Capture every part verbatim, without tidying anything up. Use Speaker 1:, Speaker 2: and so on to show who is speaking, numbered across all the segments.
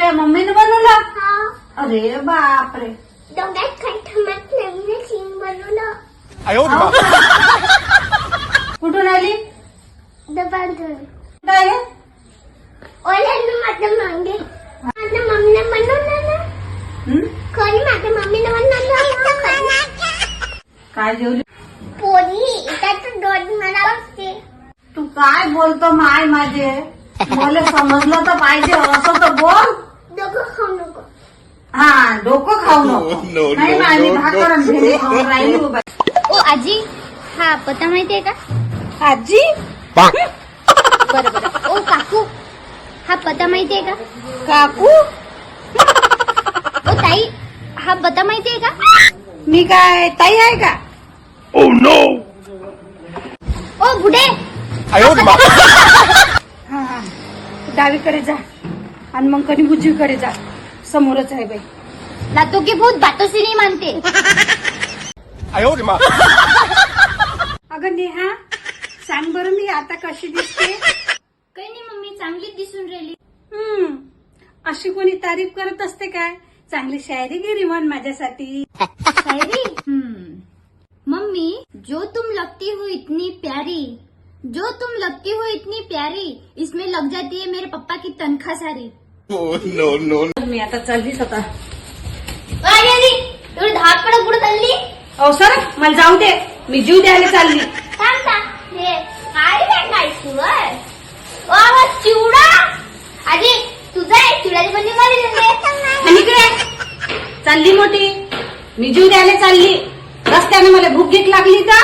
Speaker 1: तुझ्या मम्मीने बनवलं?
Speaker 2: हा.
Speaker 1: अरे बापरे.
Speaker 2: दोघात खटमट नवीन सीन बनवलं.
Speaker 1: हो का? कुठून आली?
Speaker 2: दबांतून.
Speaker 1: काय आहे?
Speaker 2: ओल्यानं माझ्या मागे. माझ्या मम्मीने बनवलं ना.
Speaker 1: हं?
Speaker 2: खरी माझ्या मम्मीने बनवलं ना.
Speaker 1: काय जेवली?
Speaker 2: पोरी त्याचं दोन मला असते.
Speaker 1: तू काय बोलतो माय माझे? मला समजलं तर पाहिजे, असं तर बोल.
Speaker 2: दोघं खाऊ नको.
Speaker 1: हा, डोकं खाऊ नको. नाही माय, मी भाकर आणि भेंडी खाऊन राहिली बाबा.
Speaker 3: ओ आजी, हा पत्ता माहितीये का?
Speaker 1: आजी?
Speaker 3: बरं बरं. ओ काकू, हा पत्ता माहितीये का?
Speaker 1: काकू?
Speaker 3: ओ ताई, हा पत्ता माहितीये का?
Speaker 1: मी काय ताई आहे का?
Speaker 4: Oh no!
Speaker 3: ओ बुढे,
Speaker 1: हा हा, डावीकडे जा आणि मग कधी उजवीकडे जा, समोरच आहे बाई.
Speaker 3: लातो की भूत बातों से नहीं मानते.
Speaker 1: अगं नेहा, सांग बरं मी आता कशी दिसते?
Speaker 3: काही नाही मम्मी, चांगलीच दिसून राहिली.
Speaker 1: हम्म, अशी कोणी तारीफ करत असते काय? चांगली शायरी गिरी म्हण माझ्यासाठी.
Speaker 3: शायरी? हम्म. मम्मी, जो तुम लगती हो इतनी प्यारी, जो तुम लगती हो इतनी प्यारी, इसमें लग जाती है मेरे पप्पा की तनख्वाह सारी.
Speaker 4: Oh no no!
Speaker 1: मी आता चाललीच आता.
Speaker 3: अरे अरे, एवढं धाकपड पुढे चालली?
Speaker 1: अहो सर, मला जाऊ दे, मी जीव द्यायला चालली.
Speaker 2: थांब थांब. हे काय भेटायचं वर? वा वा चिवडा. आजी तुझा आहे चिवड्याची बंदी मारी.
Speaker 1: आणि इकडे चालली मोठी, मी जीव द्यायला चालली. रस्त्याने मला भूक गीत लागली का?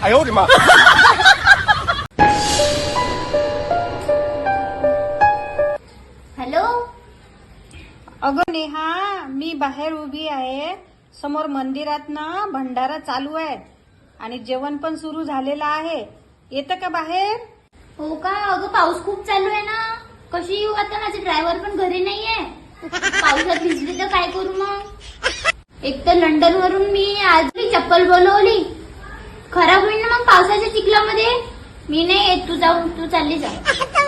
Speaker 3: हॅलो.
Speaker 1: अगं नेहा, मी बाहेर उभी आहे. समोर मंदिरात ना भंडारा चालू आहे आणि जेवण पण सुरू झालेलं आहे. येतं का बाहेर?
Speaker 3: हो का? अगं पाऊस खूप चालू आहे ना. कशी येऊ आता? माझे ड्रायव्हर पण घरी नाहीये. पावसात भिजली तर काय करू मग? एक तर लंडन वरून मी आज चप्पल बोलवली, खराब होईल ना मग पावसाच्या चिखलामध्ये. मी नाही येत, तू जाऊन तू चालली जा.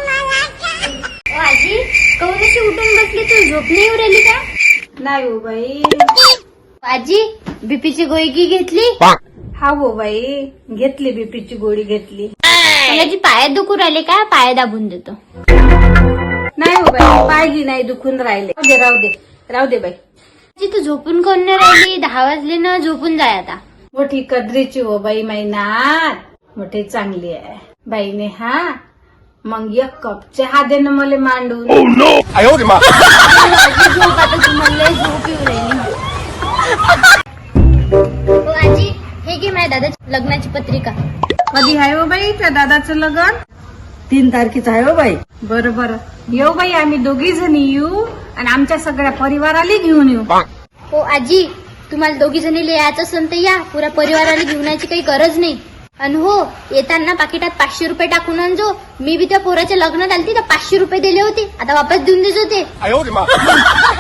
Speaker 3: ओ आजी, कहून अशी उठून बसली? तू झोप नाही येऊ राहिली का?
Speaker 1: नाही हो बाई.
Speaker 3: आजी, बीपीची गोळी घेतली?
Speaker 1: हा हो बाई, घेतली, बीपीची गोळी घेतली.
Speaker 3: याची पायात दुखू राहिले का? पाया दाबून देतो.
Speaker 1: नाही हो बाई, पायगी नाही दुखून राहिले. राहू दे राहू दे राहू दे बाई.
Speaker 3: आजी, तू झोपून कोण नाही राहिली? दहा वाजले ना, झोपून जाय आता.
Speaker 1: मोठी कदरीची हो बाई मैनात, मोठी चांगली आहे बाईने. हा मग एक कप चहा दे ना मला मांडून.
Speaker 4: Oh no!
Speaker 3: आजी, झोप आता, तुम्हाला लय झोप येऊ राहिली. हो आजी, हे घे माझ्या दादाची लग्नाची पत्रिका.
Speaker 1: कधी आहे हो बाई त्या दादाचं लग्न? तीन तारखेचं आहे हो बाई. बरं बरं, येऊ बाई, आम्ही दोघी जणी येऊ आणि आमच्या सगळ्या परिवाराला घेऊन येऊ.
Speaker 3: हो आजी, तुम्हाला दोघी जणी यायचं असेल तर या, पुरा परिवाराला घेऊन यायची काही गरज नाही. आणि हो, येताना पाकिटात पाचशे रुपये टाकून आणजो. मी बी त्या पोराच्या लग्नात आलती तर पाचशे रुपये दिले होते, आता वापस देऊन देजो ते.